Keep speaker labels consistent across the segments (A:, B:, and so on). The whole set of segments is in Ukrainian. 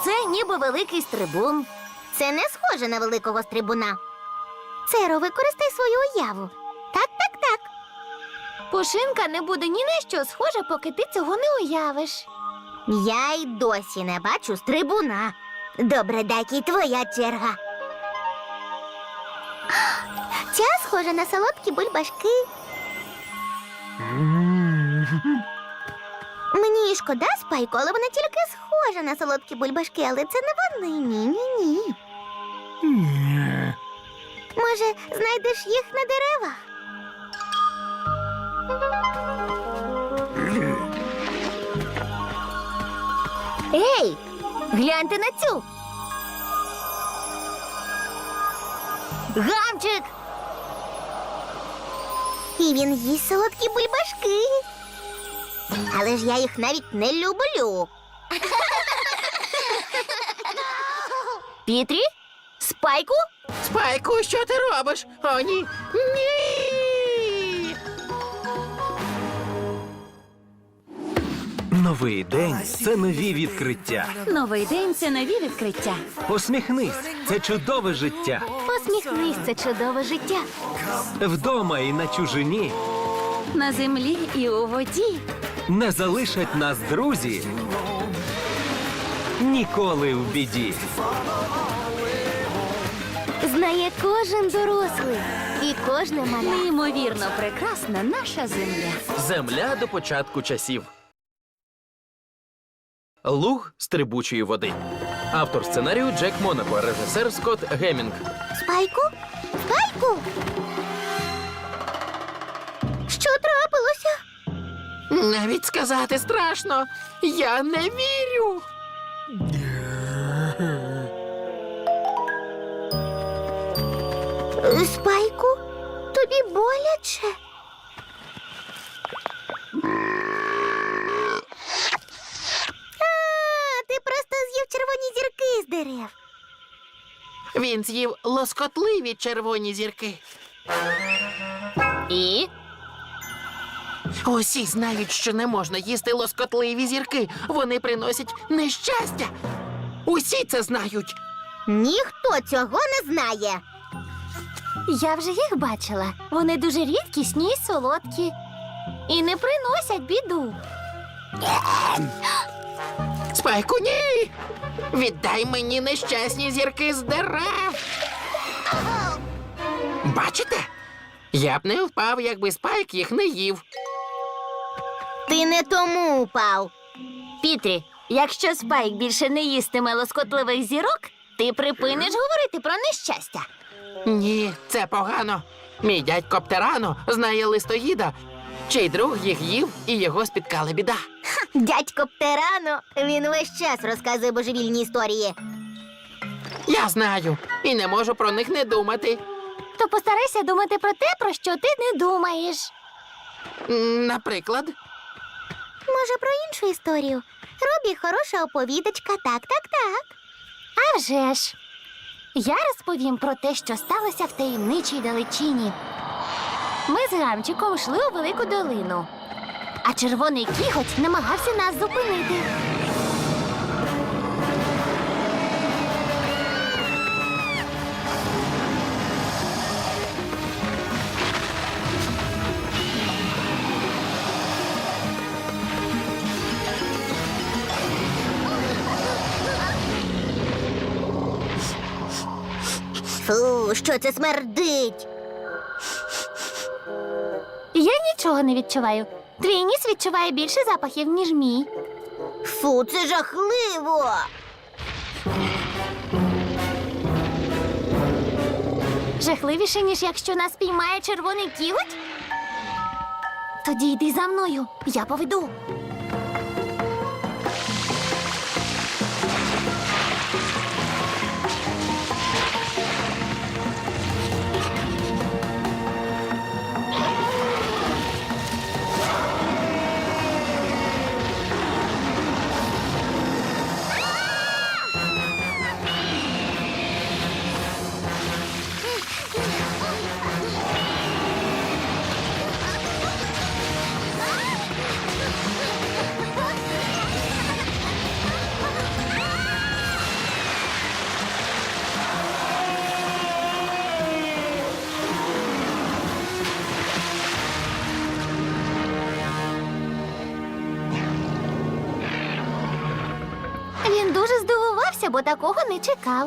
A: це ніби великий стрибун.
B: Це не схоже на великого стрибуна. Церо, використай свою уяву. Так.
A: Пушинка не буде ні на що схожа, поки ти цього не уявиш.
B: Я й досі не бачу стрибуна. Добре, Дакі, твоя черга. Ця схожа на солодкі бульбашки. Мені шкода, Спайку, але вона тільки схожа на солодкі бульбашки, але це не вони. Ні. Може, знайдеш їх на деревах?
A: Ей, гляньте на цю. Гамчик!
B: І він їсть солодкі бульбашки. Але ж я їх навіть не люблю.
A: Пітрі? Спайку?
C: Спайку, що ти робиш? О, ні! Ні!
D: Новий день – це нові відкриття.
A: Новий день – це нові відкриття.
D: Посміхнись – це чудове життя.
A: Посміхнись, це чудове життя.
D: Вдома і на чужині
A: На землі і у воді.
D: не залишать нас друзі ніколи в біді.
A: Знає кожен дорослий і кожне маля. Неймовірно прекрасна наша земля.
C: Земля до початку часів. Луг стрибучої води. Автор сценарію Джек Монако, режисер Скотт Геммінг.
B: Спайку? Що трапилося?
C: Навіть сказати страшно. Я не вірю.
B: Спайку? Тобі боляче? Ти просто з'їв червоні зірки з дерев.
C: Він з'їв лоскотливі червоні зірки.
A: І?
C: Усі знають, що не можна їсти лоскотливі зірки. Вони приносять нещастя. Усі це знають.
B: Ніхто цього не знає.
A: Я вже їх бачила. Вони дуже рідкісні і солодкі. І не приносять біду.
C: Спайку, ні! Віддай мені нещасні зірки з дерев. Бачите? Я б не впав, якби Спайк їх не їв.
B: Ти не тому упав.
A: Пітрі, якщо Спайк більше не їстиме лоскотливих зірок, ти припиниш говорити про нещастя.
C: Ні, це погано. Мій дядько Птерано знає листоїда, чий друг їх їв і його спіткала біда.
B: Дядько Птерано, він весь час розказує божевільні історії.
C: Я знаю і не можу про них не думати.
A: То постарайся думати про те, про що ти не думаєш.
C: Наприклад,
B: Може, про іншу історію? Робі хороша оповідачка, так.
A: А вже ж. Я розповім про те, що сталося в таємничій далечині. Ми з Гамчиком йшли у велику долину, а червоний кіготь намагався нас зупинити.
B: Фу, що це смердить?
A: Я нічого не відчуваю. Твій ніс відчуває більше запахів, ніж мій.
B: Фу, це жахливо.
A: Жахливіше, ніж якщо нас піймає червоний кіготь? Тоді йди за мною, я поведу. здивувався, бо такого не чекав.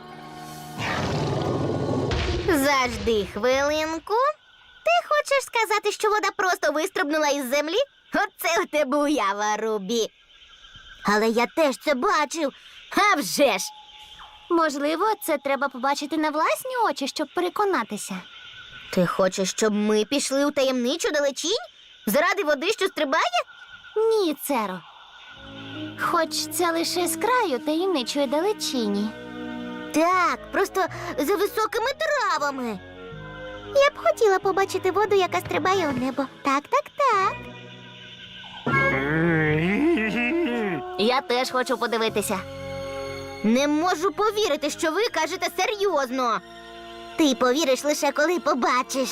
B: Завжди хвилинку. Ти хочеш сказати, що вода просто вистрибнула із землі? Оце у тебе уява, Рубі. Але я теж це бачив. А вже ж!
A: Можливо, це треба побачити на власні очі, щоб переконатися.
B: Ти хочеш, щоб ми пішли у таємничу далечінь? Заради води, що стрибає?
A: Ні, Церо. Хоч це лише з краю таємничої далечині.
B: Так, просто за високими травами. Я б хотіла побачити воду, яка стрибає у небо. Так, так, так.
A: Я теж хочу подивитися.
B: Не можу повірити, що ви кажете серйозно. Ти повіриш лише коли побачиш.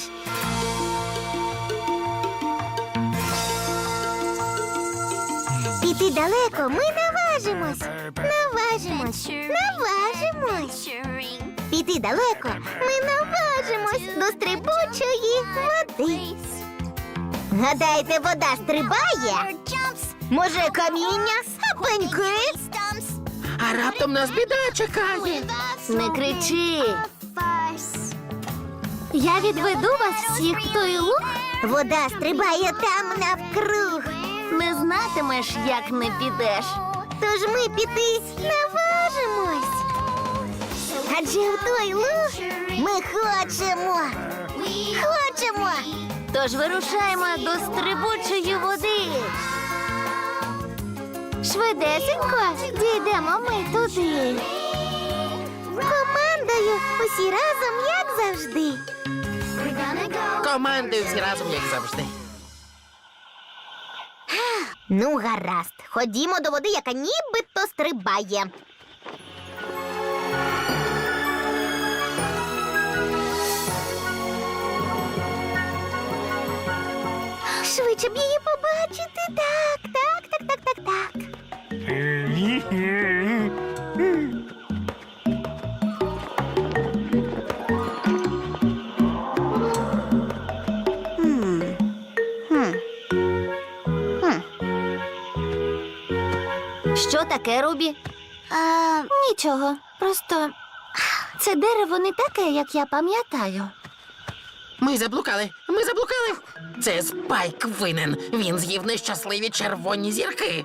B: Піти далеко ми наважимось. Наважимось. Піти далеко ми наважимось до стрибучої води. Гадаєте, вода стрибає? Може, каміння? Пеньки?
C: А раптом нас біда чекає.
A: Не кричи. Я відведу вас всіх в той луг.
B: Вода стрибає там навкруг.
A: Не знатимеш, як не підеш.
B: Тож ми піти наважимось. Адже в той луг ми хочемо. Хочемо.
A: Тож вирушаємо до стрибучої води. Швидесенько дійдемо ми туди.
B: Командою усі разом, як завжди.
C: Командою всі разом, як завжди.
B: Ну, гаразд. Ходімо до води, яка нібито стрибає. Швидше б її побачити. Так, так, так, так, так, так.
A: Що таке, Рубі? Нічого. Просто це дерево не таке, як я пам'ятаю.
C: Ми заблукали. Це Спайк винен. Він з'їв нещасливі червоні зірки.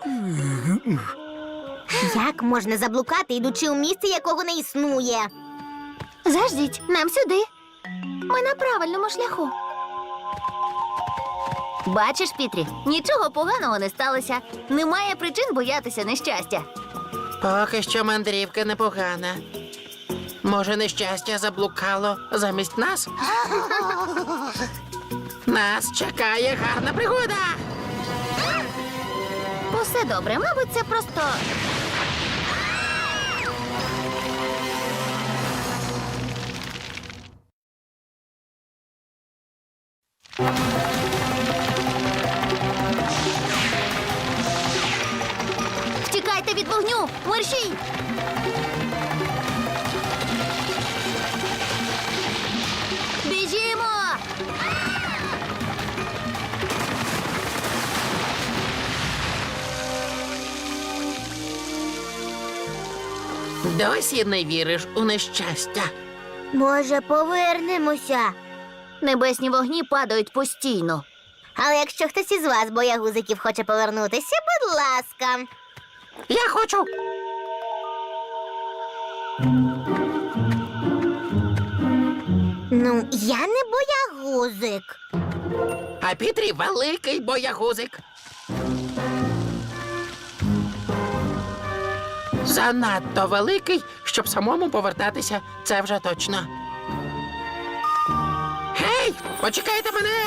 B: Як можна заблукати, ідучи у місце, якого не існує?
A: Заждіть, нам сюди. Ми на правильному шляху. Бачиш, Пітрі, нічого поганого не сталося. Немає причин боятися нещастя.
C: Поки що мандрівка непогана. Може, нещастя заблукало замість нас? Нас чекає гарна пригода.
A: Усе добре, мабуть, це просто. Втікайте від вогню! Мерщій! Біжімо!
C: Досі не віриш у нещастя.
B: Може, повернемося?
A: Небесні вогні падають постійно.
B: Але якщо хтось із вас, боягузиків, хоче повернутися, будь ласка.
C: Я хочу.
B: Ну, я не боягузик.
C: А Пітрі великий боягузик. Занадто великий, щоб самому повертатися, це вже точно. Гей, почекайте мене!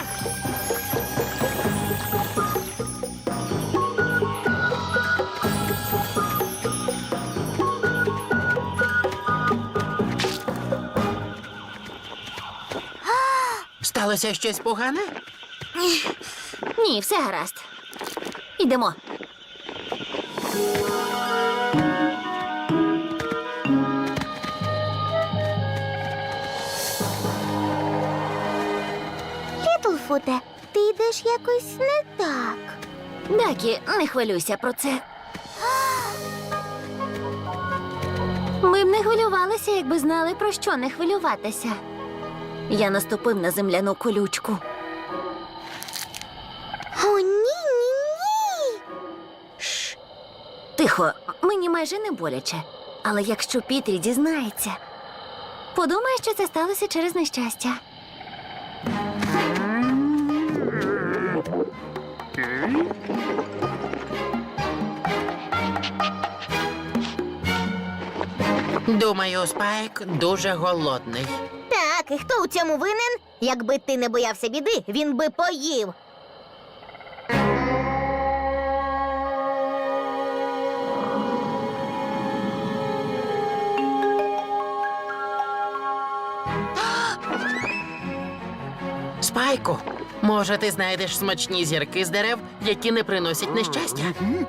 C: Сталося щось погане?
A: Ні, все гаразд. Ідемо.
B: Літлфуте, ти йдеш якось не так.
A: Дакі, не хвилюйся про це. Ми б не хвилювалися, якби знали, про що не хвилюватися. Я наступив на земляну колючку.
B: О, ні.
A: Тихо, мені майже не боляче. Але якщо Пітрі дізнається, подумає, що це сталося через нещастя.
C: Думаю, Спайк дуже голодний.
B: Так, і хто у цьому винен? Якби ти не боявся біди, він би поїв.
C: Спайку, може, ти знайдеш смачні зірки з дерев, які не приносять нещастя?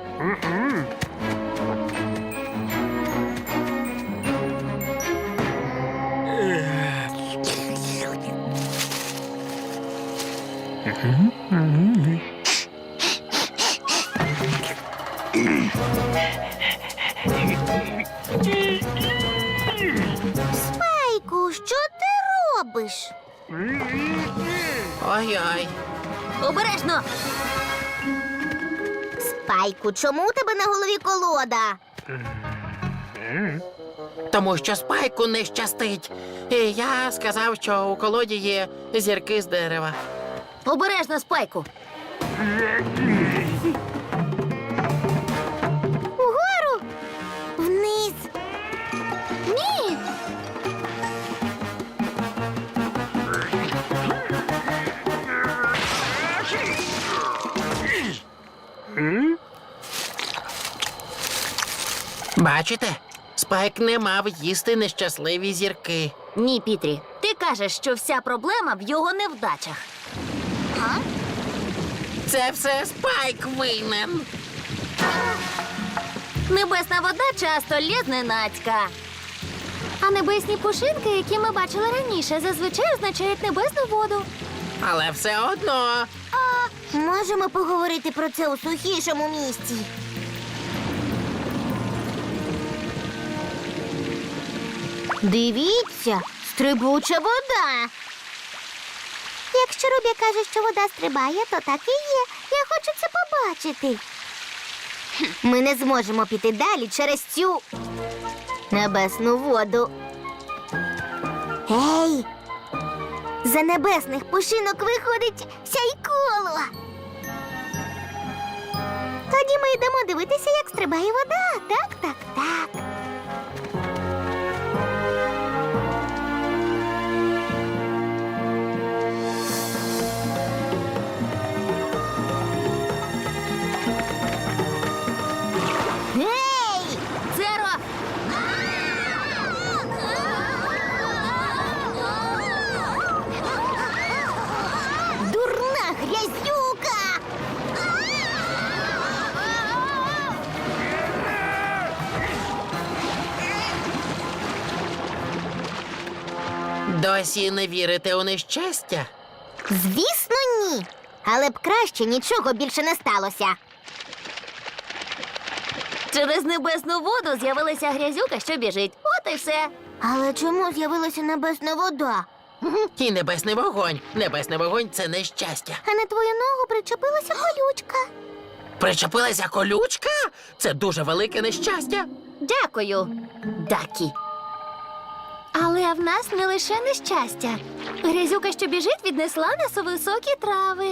B: Спайку, що ти робиш?
C: Ой-ой.
A: Обережно!
B: Спайку, чому у тебе на голові колода?
C: Тому що Спайку не щастить. І я сказав, що у колоді є зірки з дерева.
A: Обережно, Спайку!
B: Угору! Вниз!
A: Ні!
C: Бачите? Спайк не мав їсти нещасливі зірки.
A: Ні, Пітрі, ти кажеш, що вся проблема в його невдачах.
C: Це все Спайк винен.
A: Небесна вода часто лє зненацька. А небесні пушинки, які ми бачили раніше, зазвичай означають небесну воду.
C: Але все одно.
B: Можемо поговорити про це у сухішому місці. Дивіться, стрибуча вода. Якщо Рубі каже, що вода стрибає, то так і є. Я хочу це побачити. Ми не зможемо піти далі через цю небесну воду. Ей! За небесних пушинок виходить сяйколо. Тоді ми йдемо дивитися, як стрибає вода. Так. Гей!
A: Зеро!
B: Дурна грязюка!
C: Досі не вірите у нещастя?
B: Звісно, ні. Але б краще нічого більше не сталося.
A: Через небесну воду з'явилася грязюка, що біжить. От і все.
B: Але чому з'явилася небесна вода?
C: І небесний вогонь. Небесний вогонь це нещастя.
B: А на твою ногу причепилася колючка.
C: Причепилася колючка? Це дуже велике нещастя.
A: Дякую, Дакі. Але в нас не лише нещастя. Грязюка, що біжить, віднесла нас у високі трави.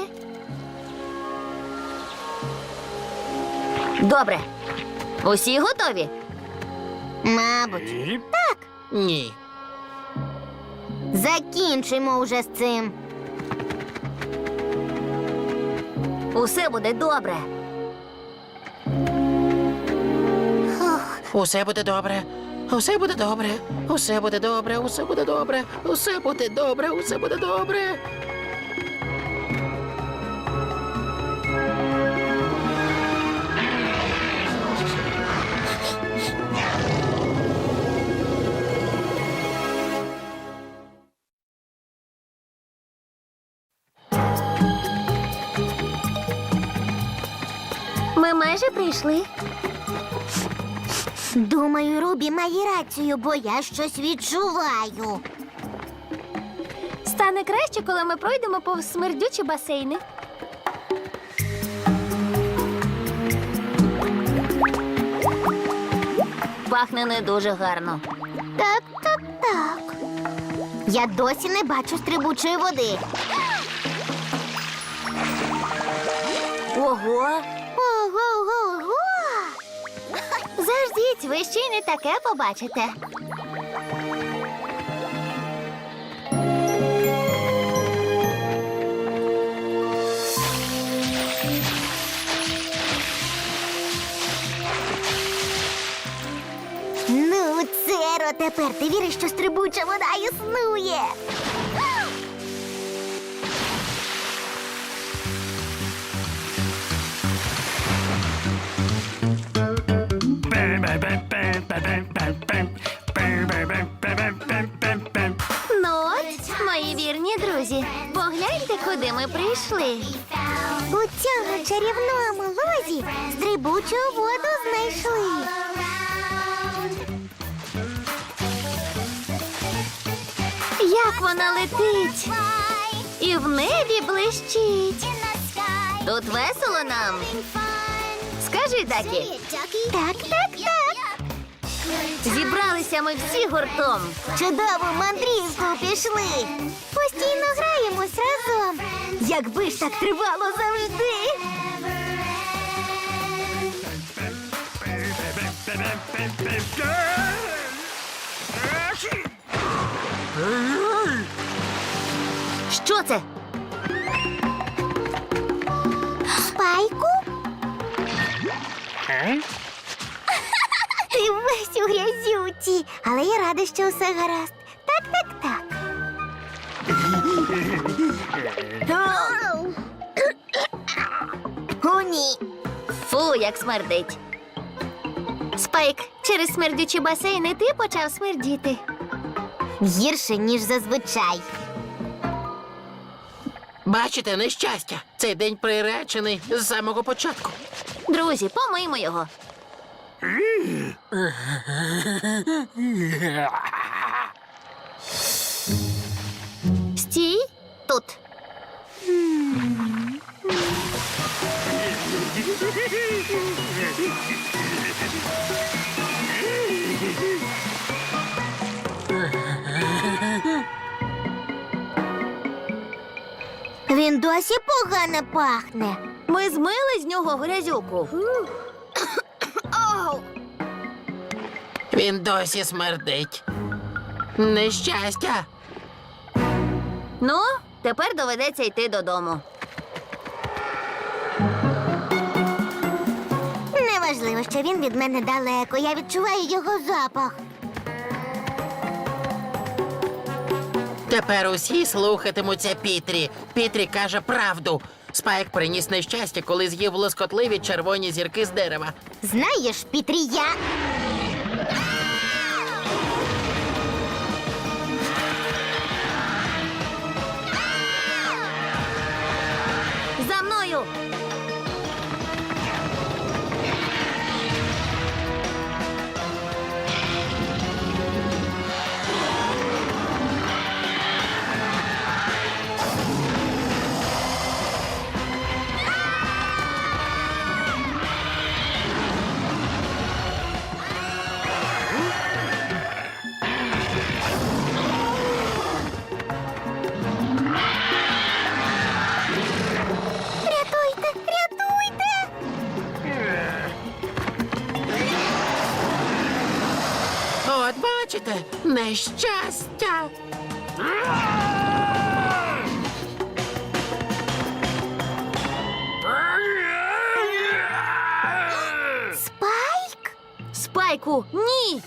A: Добре. Усі готові?
B: Мабуть.
C: Ні.
B: Закінчимо уже з цим.
A: Усе буде добре.
C: Усе буде добре. Усе буде добре. Усе буде добре. Усе буде добре. Усе буде добре. Усе буде добре.
A: Ми майже прийшли.
B: Думаю, Рубі має рацію, бо я щось відчуваю.
A: Стане краще, коли ми пройдемо повз смердючі басейни. Пахне не дуже гарно.
B: Так. Я досі не бачу стрибучої води.
A: Ого!
B: Ого-го-го!
A: Заждіть, ви ще й не таке побачите.
B: Ну, Церо, тепер ти віриш, що стрибуча вода існує.
A: Ну от, мої вірні друзі, погляньте, куди ми прийшли.
B: У цьому чарівному лозі стрибучу воду знайшли.
A: Як вона летить і в небі блищить. Тут весело нам. Скажи, Дакі,
B: Так.
A: зібралися ми всі гуртом.
B: Чудову мандрівку пішли. Постійно граємось разом. Якби ж так тривало завжди.
A: Що це?
B: Спайку? Ти весь у грязюці, але я рада, що все гаразд. Так. О, ні.
A: Фу, як смердить. Спайк, через смердючі басейни ти почав смердіти.
B: Гірше, ніж зазвичай.
C: Бачите, нещастя. Цей день приречений з самого початку.
A: Друзі, помиймо його. Стій тут.
B: Він досі погано пахне.
A: Ми змили з нього грязюку.
C: Він досі смердить. Нещастя.
A: Ну, тепер доведеться йти додому.
B: Неважливо, що він від мене далеко. Я відчуваю його запах.
C: Тепер усі слухатимуться Пітрі. Пітрі каже правду. Спайк приніс нещастя, коли з'їв лоскотливі червоні зірки з дерева.
B: Знаєш, Пітрі, я...
A: За мною!
C: От бачите, нещастя.
B: Спайк?
A: Спайку, ні!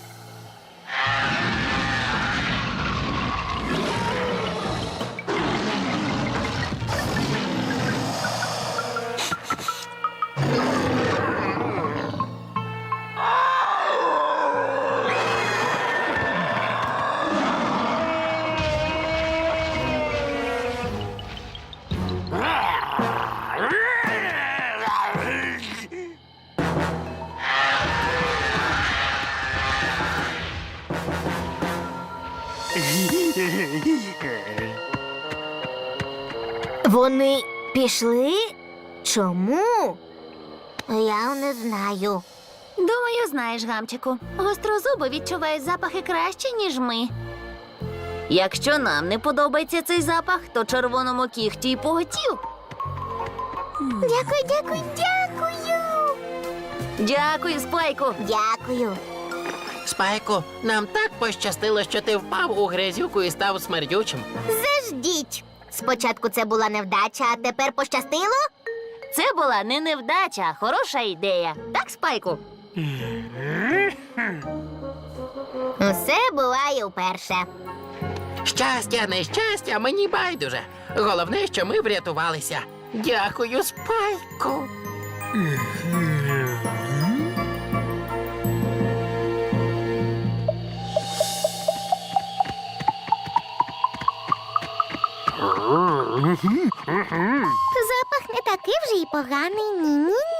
B: Вони пішли? Чому? Я не знаю.
A: Думаю, знаєш, гамчику. Гострозуби відчувають запахи краще, ніж ми. Якщо нам не подобається цей запах, то червоному кіхті й поготів.
B: Дякую, дякую, дякую.
A: Дякую, Спайку.
B: Дякую.
C: Спайку, нам так пощастило, що ти впав у грязюку і став смердючим.
B: Заждіть. Спочатку це була невдача, а тепер пощастило?
A: Це була не невдача, а хороша ідея. Так, Спайку?
B: Усе буває вперше.
C: Щастя, нещастя, мені байдуже. Головне, що ми врятувалися. Дякую, Спайку.
B: Запах не такий вже й поганий. Ні-ні-ні.